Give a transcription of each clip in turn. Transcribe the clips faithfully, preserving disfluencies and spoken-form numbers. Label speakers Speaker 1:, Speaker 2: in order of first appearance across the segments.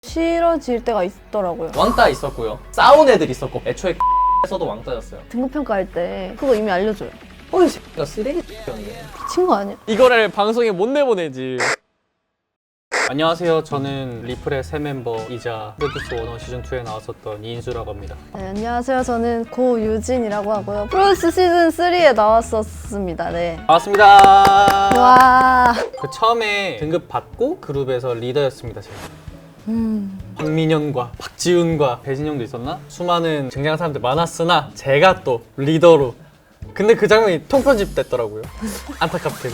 Speaker 1: 싫어질 때가 있더라고요.
Speaker 2: 왕따 있었고요. 싸운 애들 있었고. 애초에 에서도 왕따였어요.
Speaker 1: 등급평가할 때 그거 이미 알려줘요.
Speaker 2: 어이 새끼가 쓰레기였는데.
Speaker 1: 미친 거 아니야?
Speaker 3: 이거를 방송에 못 내보내지. 안녕하세요. 저는 리플의 새 멤버이자 프로듀스 원원 시즌이에 나왔었던 이인수라고 합니다.
Speaker 1: 네, 안녕하세요. 저는 고유진이라고 하고요. 프로듀스 시즌 삼에 나왔었습니다. 네.
Speaker 3: 반갑습니다.
Speaker 1: 와.
Speaker 3: 그 처음에 등급 받고 그룹에서 리더였습니다. 제가.
Speaker 1: 음.
Speaker 3: 박민현과 박지훈과 배진영도 있었나? 수많은 쟁쟁한 사람들 많았으나 제가 또 리더로. 근데 그 장면이 통편집 됐더라고요. 안타깝게도.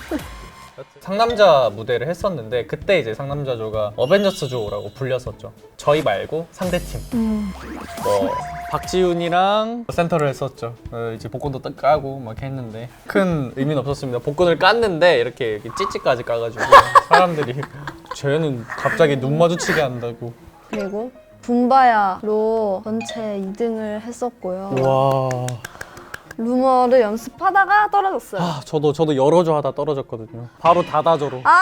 Speaker 3: 상남자 무대를 했었는데 그때 이제 상남자조가 어벤져스조라고 불렸었죠. 저희 말고 상대팀.
Speaker 1: 음.
Speaker 3: 뭐 박지훈이랑 센터를 했었죠. 어, 이제 복권도 딱 까고 막 했는데 큰 의미는 없었습니다. 복권을 깠는데 이렇게, 이렇게 찌찌까지 까가지고 사람들이 쟤는 갑자기 눈 마주치게 한다고.
Speaker 1: 그리고 붐바야로 전체 이 등을 했었고요.
Speaker 3: 와.
Speaker 1: 루머를 연습하다가 떨어졌어요.
Speaker 3: 아, 저도 저도 열어줘 하다 떨어졌거든요. 바로 닫아줘로.
Speaker 1: 아.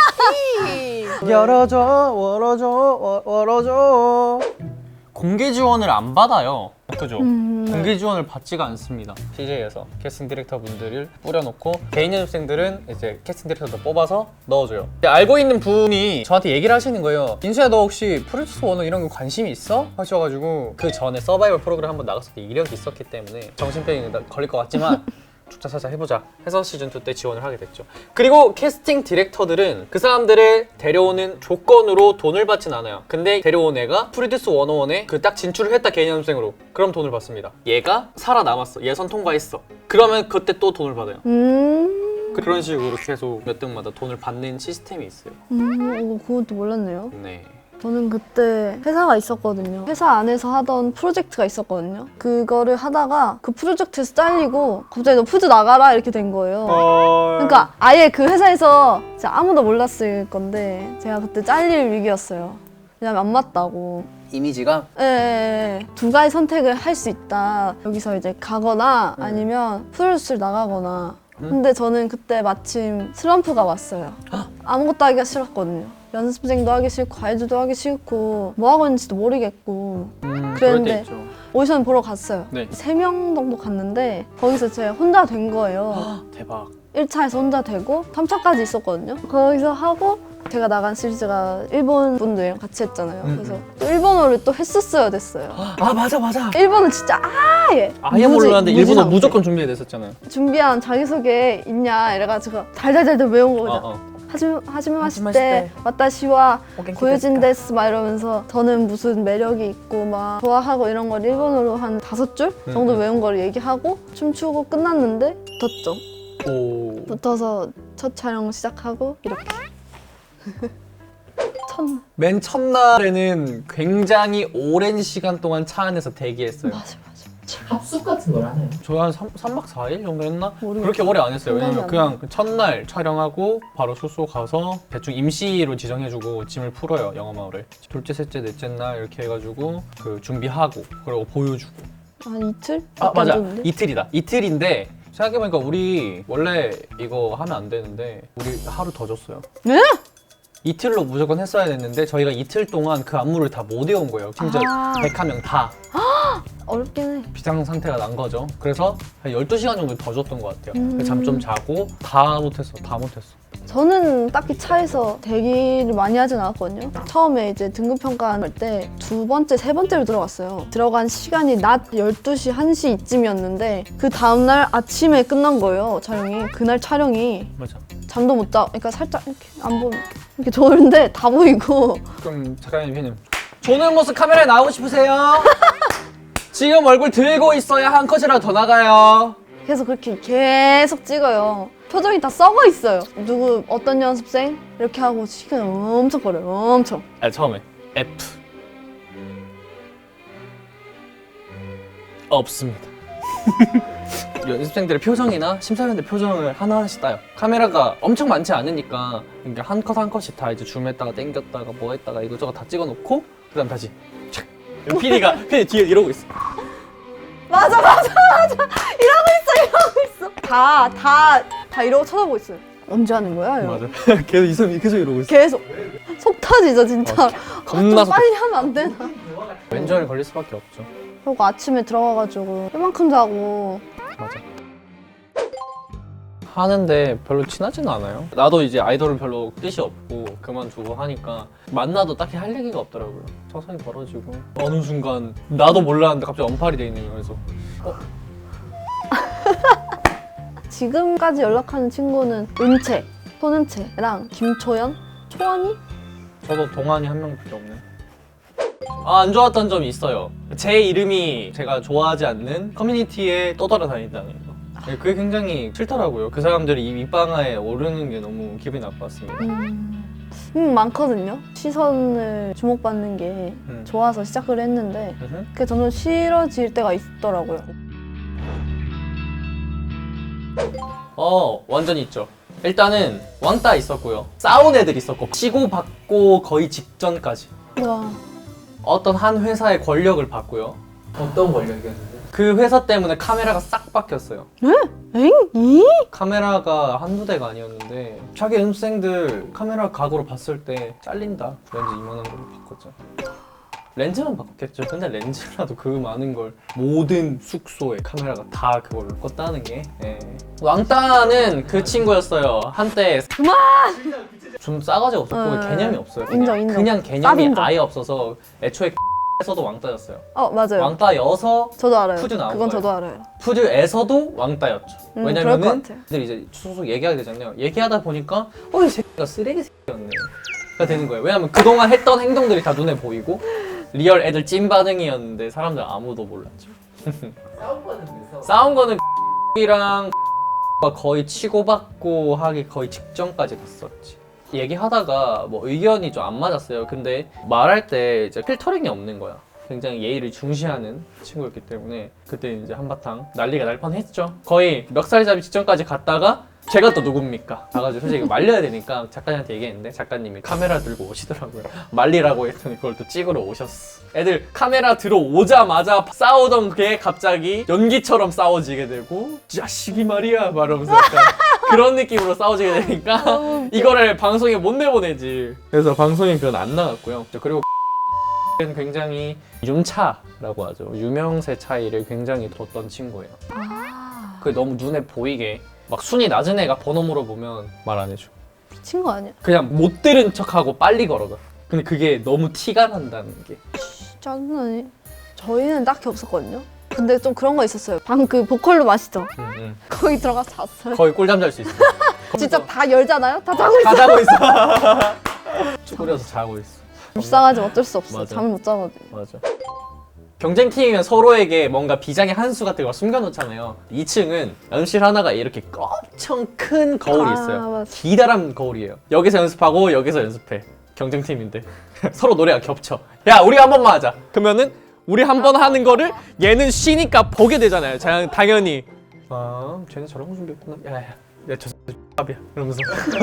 Speaker 3: 열어줘, 월어줘, 워- 월어줘. 공개 지원을 안 받아요. 그죠?
Speaker 1: 음.
Speaker 3: 공개 지원을 받지가 않습니다. 씨제이에서 캐스팅 디렉터 분들을 뿌려놓고 개인 연습생들은 이제 캐스팅 디렉터도 뽑아서 넣어줘요. 알고 있는 분이 저한테 얘기를 하시는 거예요. 인수야, 너 혹시 프로듀스 원어 이런 거 관심이 있어? 하셔가지고 그 전에 서바이벌 프로그램 한번 나갔을 때 이력이 있었기 때문에 정신병이 걸릴 것 같지만 조차사자 해보자 해서 시즌이 때 지원을 하게 됐죠. 그리고 캐스팅 디렉터들은 그 사람들을 데려오는 조건으로 돈을 받진 않아요. 근데 데려온 애가 프로듀스 백일에 그 딱 진출을 했다, 개인 연습생으로. 그럼 돈을 받습니다. 얘가 살아남았어, 예선 통과했어, 그러면 그때 또 돈을 받아요.
Speaker 1: 음.
Speaker 3: 그런 식으로 계속 몇 등마다 돈을 받는 시스템이 있어요.
Speaker 1: 음. 어, 그것도 몰랐네요.
Speaker 3: 네.
Speaker 1: 저는 그때 회사가 있었거든요. 회사 안에서 하던 프로젝트가 있었거든요. 그거를 하다가 그 프로젝트에서 잘리고 갑자기 너 푸드 나가라 이렇게 된 거예요. 그러니까 아예 그 회사에서 진짜 아무도 몰랐을 건데 제가 그때 잘릴 위기였어요. 왜냐면 안 맞다고.
Speaker 2: 이미지가
Speaker 1: 예, 예, 예. 두 가지 선택을 할 수 있다. 여기서 이제 가거나 아니면 프로듀스를 나가거나. 근데 저는 그때 마침 슬럼프가 왔어요. 아무것도 하기가 싫었거든요. 연습생도 하기 싫고 과외도 하기 싫고 뭐 하고 있는지도 모르겠고
Speaker 3: 음,
Speaker 1: 그랬는데
Speaker 3: 그럴 때 있죠.
Speaker 1: 오디션 보러 갔어요.
Speaker 3: 네.
Speaker 1: 세 명 정도 갔는데 거기서 제가 혼자 된 거예요.
Speaker 3: 대박.
Speaker 1: 일 차에서 혼자 되고 삼 차까지 있었거든요. 거기서 하고 제가 나간 시리즈가 일본 분들이랑 같이 했잖아요.
Speaker 3: 음,
Speaker 1: 그래서 또 일본어를 또 했었어야 됐어요.
Speaker 3: 아, 맞아 맞아.
Speaker 1: 일본은 진짜 아예
Speaker 3: 아예
Speaker 1: 무지-
Speaker 3: 몰랐는데
Speaker 1: 무지
Speaker 3: 일본어
Speaker 1: 상태.
Speaker 3: 무조건 준비해 냈었잖아요.
Speaker 1: 준비한 자기소개 있냐 이래가지고 달달달달 외운 거죠.
Speaker 3: 어, 어.
Speaker 1: 하지마 하지마
Speaker 3: 하지마
Speaker 1: 마시때 와타시와
Speaker 3: 오 겐키
Speaker 1: 고유진 데스 막 이러면서 저는 무슨 매력이 있고 막 좋아하고 이런 걸 일본어로 한 다섯 줄 정도
Speaker 3: 음.
Speaker 1: 외운 걸 얘기하고 춤추고 끝났는데 붙었죠.
Speaker 3: 오.
Speaker 1: 붙어서 첫 촬영 시작하고 이렇게 첫날
Speaker 3: 맨 첫날에는 굉장히 오랜 시간 동안 차 안에서 대기했어요.
Speaker 1: 맞아 맞아
Speaker 2: 합숙 같은 걸 하나요?
Speaker 3: 저희 한 삼 박 사 일 정도 했나?
Speaker 1: 모르겠어요.
Speaker 3: 그렇게 오래 안 했어요. 왜냐면
Speaker 1: 생각이
Speaker 3: 그냥 첫날 촬영하고 바로 숙소 가서 대충 임시로 지정해주고 짐을 풀어요, 영어마을을. 둘째, 셋째, 넷째 날 이렇게 해가지고 그 준비하고 그리고 보여주고.
Speaker 1: 한 이틀?
Speaker 3: 아 맞아,
Speaker 1: 줬는데?
Speaker 3: 이틀이다. 이틀인데 생각해보니까 우리 원래 이거 하면 안 되는데 우리 하루 더 줬어요.
Speaker 1: 네?
Speaker 3: 이틀로 무조건 했어야 됐는데 저희가 이틀 동안 그 안무를 다 못 외운 거예요. 심지어
Speaker 1: 아.
Speaker 3: 백한 명 다.
Speaker 1: 어렵긴 해.
Speaker 3: 비상 상태가 난 거죠. 그래서 한 열두 시간 정도 더 줬던 것 같아요.
Speaker 1: 음.
Speaker 3: 잠 좀 자고 다 못했어, 다 못했어.
Speaker 1: 저는 딱히 차에서 대기를 많이 하진 않았거든요. 처음에 이제 등급평가할 때 두 번째, 세 번째로 들어갔어요. 들어간 시간이 낮 열두 시, 한 시 이쯤이었는데 그 다음날 아침에 끝난 거예요, 촬영이. 그날 촬영이
Speaker 3: 맞아.
Speaker 1: 잠도 못 자, 그러니까 살짝 이렇게 안 보면 이렇게 좋은데 다 보이고
Speaker 3: 그럼 작가님, 피디님. 조는 모습 카메라에 나오고 싶으세요? 지금 얼굴 들고 있어야 한 컷이라도 더 나가요.
Speaker 1: 그래서 그렇게 계속 찍어요. 표정이 다 썩어 있어요. 누구 어떤 연습생 이렇게 하고 시간 엄청 걸려요. 엄청.
Speaker 3: 아, 처음에 F 없습니다. 연습생들의 표정이나 심사위원들 표정을 하나하나씩 따요. 카메라가 엄청 많지 않으니까 그러니까 한 컷 한 컷씩 다 이제 줌했다가 당겼다가 뭐 했다가 이것저것 다 찍어놓고 그다음 다시 착. 피디가 피디 뒤에 이러고 있어.
Speaker 1: 맞아 맞아 맞아. 이러고 있어 이러고 있어. 다 다 다 이러고 쳐다보고 있어요. 언제 하는 거야? 이러고.
Speaker 3: 맞아. 계속 이 사람이 계속 이러고 있어.
Speaker 1: 계속 속 터지죠 진짜. 아, 좀
Speaker 3: 겁나 속.
Speaker 1: 빨리 하면 안 되나?
Speaker 3: 왼절이 걸릴 수밖에 없죠.
Speaker 1: 그리고 아침에 들어가가지고 이만큼 자고.
Speaker 3: 맞아. 하는데 별로 친하지는 않아요. 나도 이제 아이돌은 별로 뜻이 없고 그만두고 하니까 만나도 딱히 할 얘기가 없더라고요. 서서히 벌어지고 어느 순간 나도 몰랐는데 갑자기 언팔이 돼 있는 거예요. 그래서 어?
Speaker 1: 지금까지 연락하는 친구는 은채, 손은채랑 김초연, 초원이?
Speaker 3: 저도 동안이 한 명밖에 없네. 아, 안 좋았던 점이 있어요. 제 이름이 제가 좋아하지 않는 커뮤니티에 떠돌아다닌다는 거. 네, 그게 굉장히 싫더라고요. 그 사람들이 이 밑방아에 오르는 게 너무 기분이 나빴습니다.
Speaker 1: 음, 음 많거든요. 시선을 주목받는 게
Speaker 3: 음.
Speaker 1: 좋아서 시작을 했는데
Speaker 3: 음흠.
Speaker 1: 그게 점점 싫어질 때가 있더라고요.
Speaker 2: 어 완전 있죠. 일단은 왕따 있었고요. 싸운 애들 있었고 치고받고 거의 직전까지
Speaker 1: 와,
Speaker 2: 어떤 한 회사의 권력을 받고요.
Speaker 3: 어떤 권력이었는데?
Speaker 2: 그 회사 때문에 카메라가 싹 바뀌었어요.
Speaker 1: 엥? 이?
Speaker 2: 카메라가 한두 대가 아니었는데 자기 연습생들 카메라 각으로 봤을 때 잘린다. 렌즈 이만한 걸로 바꿨죠. 렌즈만 바꿨겠죠. 근데 렌즈라도 그 많은 걸 모든 숙소에 카메라가 다 그걸로 껐다는 게 예. 왕따는 그 친구였어요. 한때
Speaker 1: 그만!
Speaker 2: 좀 싸가지 없었고
Speaker 1: 어,
Speaker 2: 개념이 없어요. 그냥,
Speaker 1: 인정, 인정.
Speaker 2: 그냥 개념이
Speaker 1: 쌉인정.
Speaker 2: 아예 없어서 애초에 에서도 왕따였어요.
Speaker 1: 어 맞아요.
Speaker 2: 왕따여서
Speaker 1: 저도 알아요.
Speaker 2: 푸드 나온
Speaker 1: 그건
Speaker 2: 거예요.
Speaker 1: 저도 알아요.
Speaker 2: 푸드에서도 왕따였죠.
Speaker 1: 음, 그럴 것
Speaker 2: 왜냐면은
Speaker 1: 같아요.
Speaker 2: 애들이 이제 소속 얘기하게 되잖아요. 얘기하다 보니까 어 이 새끼가 쓰레기 새끼였네. 가 되는 거예요. 왜냐면 그동안 했던 행동들이 다 눈에 보이고 리얼 애들 찐 반응이었는데 사람들 아무도 몰랐죠. 싸운 거는 싸운 거는 이랑 거의 치고받고 하기 거의 직전까지 갔었지. 얘기하다가 뭐 의견이 좀 안 맞았어요. 근데 말할 때 이제 필터링이 없는 거야. 굉장히 예의를 중시하는 친구였기 때문에 그때 이제 한바탕 난리가 날 뻔했죠. 거의 멱살잡이 직전까지 갔다가 제가 또 누굽니까? 가가지고 솔직히 말려야 되니까 작가님한테 얘기했는데 작가님이 카메라 들고 오시더라고요. 말리라고 했더니 그걸 또 찍으러 오셨어. 애들 카메라 들어오자마자 싸우던 게 갑자기 연기처럼 싸워지게 되고 자식이 말이야 말하면서 약간 그런 느낌으로 싸워지게 되니까 이거를 방송에 못 내보내지. 그래서 방송에 그건 안 나갔고요. 그리고 는 굉장히 윤차라고 하죠. 유명세 차이를 굉장히 뒀던 친구예요.
Speaker 1: 아,
Speaker 2: 그게 너무 눈에 보이게 막 순위 낮은 애가 번호 물어보면 말 안 해줘.
Speaker 1: 미친 거 아니야?
Speaker 2: 그냥 못 들은 척하고 빨리 걸어가. 근데 그게 너무 티가 난다는 게.
Speaker 1: 짜증나네. 저희는 딱히 없었거든요. 근데 좀 그런 거 있었어요. 방 그 보컬룸 아시죠?
Speaker 2: 응, 응.
Speaker 1: 거기 들어가서 잤어요.
Speaker 2: 거의 꿀잠 잘 수 있어.
Speaker 1: 진짜 다 열잖아요? 다 자고
Speaker 2: 다
Speaker 1: 있어요.
Speaker 2: 자고 있어. 쭈그려서 자고 있어.
Speaker 1: 불쌍하지만 어쩔 수 없어.
Speaker 2: 맞아.
Speaker 1: 잠을 못 자거든요.
Speaker 2: 맞아. 경쟁팀이면 서로에게 뭔가 비장의 한 수 같은 걸 숨겨놓잖아요. 이 층은 연습실 하나가 이렇게 엄청 큰 거울이
Speaker 1: 아,
Speaker 2: 있어요.
Speaker 1: 맞아.
Speaker 2: 기다란 거울이에요. 여기서 연습하고 여기서 연습해. 경쟁팀인데 서로 노래가 겹쳐. 야 우리 한 번만 하자. 그러면은 우리 한 번 하는 거를 얘는 쉬니까 보게 되잖아요. 자, 당연히 아 쟤네 저런 거 준비했구나. 야야 야저 X밥이야 이러면서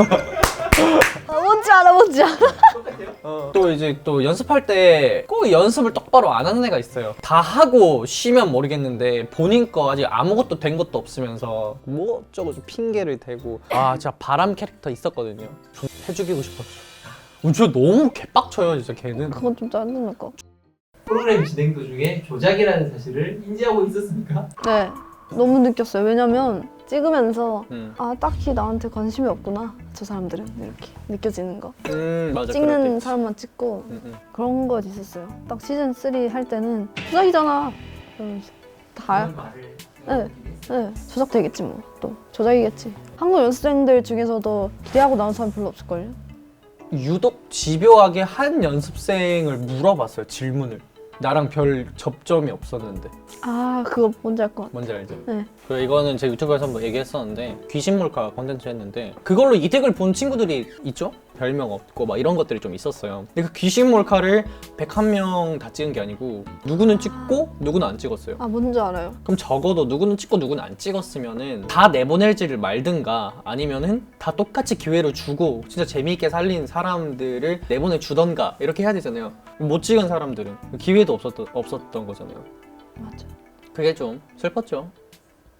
Speaker 1: 아, 뭔지 알아, 뭔지 알아.
Speaker 2: 어. 또 이제 또 연습할 때 꼭 연습을 똑바로 안 하는 애가 있어요. 다 하고 쉬면 모르겠는데 본인 거 아직 아무것도 된 것도 없으면서 뭐 어쩌고 좀 핑계를 대고 아 진짜 바람 캐릭터 있었거든요. 좀 해죽이고 싶었죠. 어, 진짜 너무 개빡쳐요 진짜 걔는.
Speaker 1: 그건 좀 짜증날 거.
Speaker 4: 프로그램 진행 도중에 조작이라는 사실을 인지하고 있었습니까?
Speaker 1: 네, 너무 느꼈어요. 왜냐면 찍으면서
Speaker 2: 음,
Speaker 1: 아 딱히 나한테 관심이 없구나 저 사람들은 이렇게 느껴지는 거.
Speaker 2: 음 맞아.
Speaker 1: 찍는
Speaker 2: 그럴 때
Speaker 1: 사람만 찍고
Speaker 2: 음, 음.
Speaker 1: 그런 거 있었어요. 딱 시즌 쓰리 할 때는 조작이잖아. 이러면서 다.
Speaker 4: 그런 말을
Speaker 1: 네, 네, 조작되겠지 뭐. 또 조작이겠지. 한국 연습생들 중에서도 기대하고 나온 사람 별로 없을걸요?
Speaker 2: 유독 집요하게 한 연습생을 물어봤어요. 질문을. 나랑 별 접점이 없었는데.
Speaker 1: 아 그거 뭔지 알 것 같아.
Speaker 2: 뭔지 알죠?
Speaker 1: 네.
Speaker 2: 그리고 이거는 제 유튜브에서 한번 얘기했었는데 귀신 몰카 콘텐츠 했는데 그걸로 이득을 본 친구들이 있죠? 별명 없고 막 이런 것들이 좀 있었어요. 근데 그 귀신 몰카를 백한 명 다 찍은 게 아니고 누구는 찍고 누구는 안 찍었어요.
Speaker 1: 아 뭔지 알아요.
Speaker 2: 그럼 적어도 누구는 찍고 누구는 안 찍었으면은 다 내보낼지를 말든가 아니면은 다 똑같이 기회를 주고 진짜 재미있게 살린 사람들을 내보내 주던가 이렇게 해야 되잖아요. 못 찍은 사람들은 기회도 없었던, 없었던 거잖아요.
Speaker 1: 맞아.
Speaker 2: 그게 좀 슬펐죠.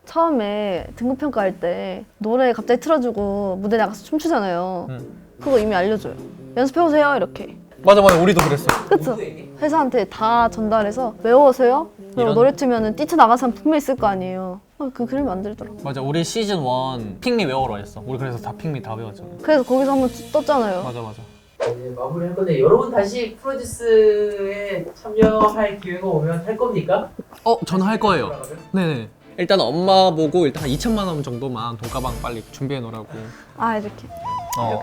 Speaker 1: 처음에 등급 평가할 때 노래 갑자기 틀어주고 무대 나가서 춤추잖아요.
Speaker 3: 음.
Speaker 1: 그거 이미 알려줘요. 연습해오세요 이렇게.
Speaker 3: 맞아 맞아 우리도 그랬어.
Speaker 1: 그쵸?
Speaker 4: 모두에게?
Speaker 1: 회사한테 다 전달해서 외워오세요. 그리고
Speaker 3: 이런-
Speaker 1: 노래 틀면은 뛰쳐 나가는 사람 분명히 있을 거 아니에요. 어, 그 그림 만들더라고.
Speaker 3: 맞아 우리 시즌 일 핑미 외워라 했어. 우리 그래서 다 핑미 다 외웠잖아.
Speaker 1: 그래서 거기서 한번 떴잖아요.
Speaker 3: 맞아 맞아.
Speaker 4: 이제 마무리할 건데 여러분 다시 프로듀스에 참여할 기회가 오면 할 겁니까?
Speaker 3: 어 저는 할 거예요.
Speaker 4: 돌아가면?
Speaker 3: 네네. 일단 엄마 보고 일단 한 이천만 원 정도만 돈가방 빨리 준비해 놓으라고.
Speaker 1: 아 이렇게
Speaker 3: 어.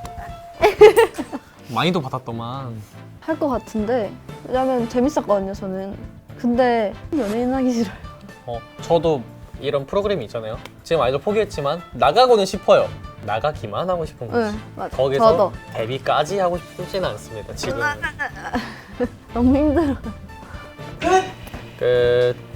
Speaker 3: 많이도 받았더만.
Speaker 1: 할 것 같은데 왜냐면 재밌었거든요 저는. 근데 연예인 하기 싫어요.
Speaker 3: 어 저도 이런 프로그램이 있잖아요. 지금 아이돌 포기했지만 나가고는 싶어요. 나가기만 하고 싶은 거지.
Speaker 1: 네, 맞아.
Speaker 3: 거기서
Speaker 1: 저도
Speaker 3: 데뷔까지 하고 싶지는 않습니다. 지금.
Speaker 1: 너무 힘들어.
Speaker 3: 끝.